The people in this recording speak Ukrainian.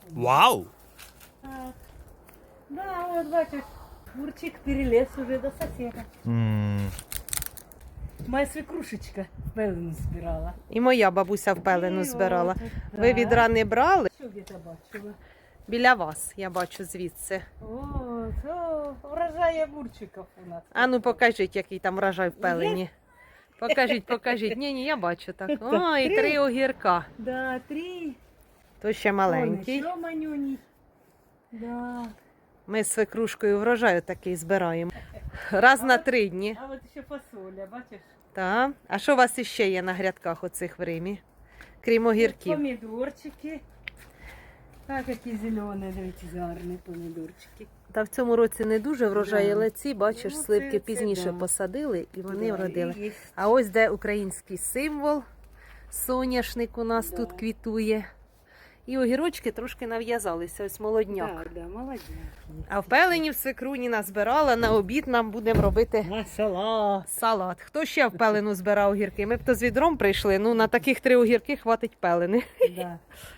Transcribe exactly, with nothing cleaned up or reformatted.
Вау! Так. Да, вот бачиш, Мурчик перелез уже до соседа. М. Моя свекрушечка пелену збирала. І моя бабуся в пелену І збирала. от, Ви так. відра не брали? Що где-то бачила? Біля вас, я бачу звідси. О, то урожай огурчиков у нас. А ну покажіть, який там врожай в пелені. Покажіть, покажіть. Ні, ні, я бачу так. О, і три огірка. Да, три. То ще маленький. Вон, еще манюній. Да. Ми з свекрушкою врожаю такий збираємо. Раз на три дні. А от ще фасоля, бачиш? Так. А що у вас іще є на грядках оцих в Римі? Крім огірків. Помідорчики. Так, які зелені, дивіться, гарні помідорчики. Та в цьому році не дуже врожай, Да. але ці, бачиш, Ну, це- сливки це пізніше да. посадили і вони Да, вродили. і є. А ось де український символ. Соняшник у нас Да. тут квітує. І огірочки трошки нав'язалися, ось молодняк. Так, да, молодець. А в пелені в свекруні назбирала, на обід нам будемо робити Масала. салат. Хто ще в пелену збирав огірки? Ми б то з відром прийшли, ну на таких три огірки хватить пелени. Да.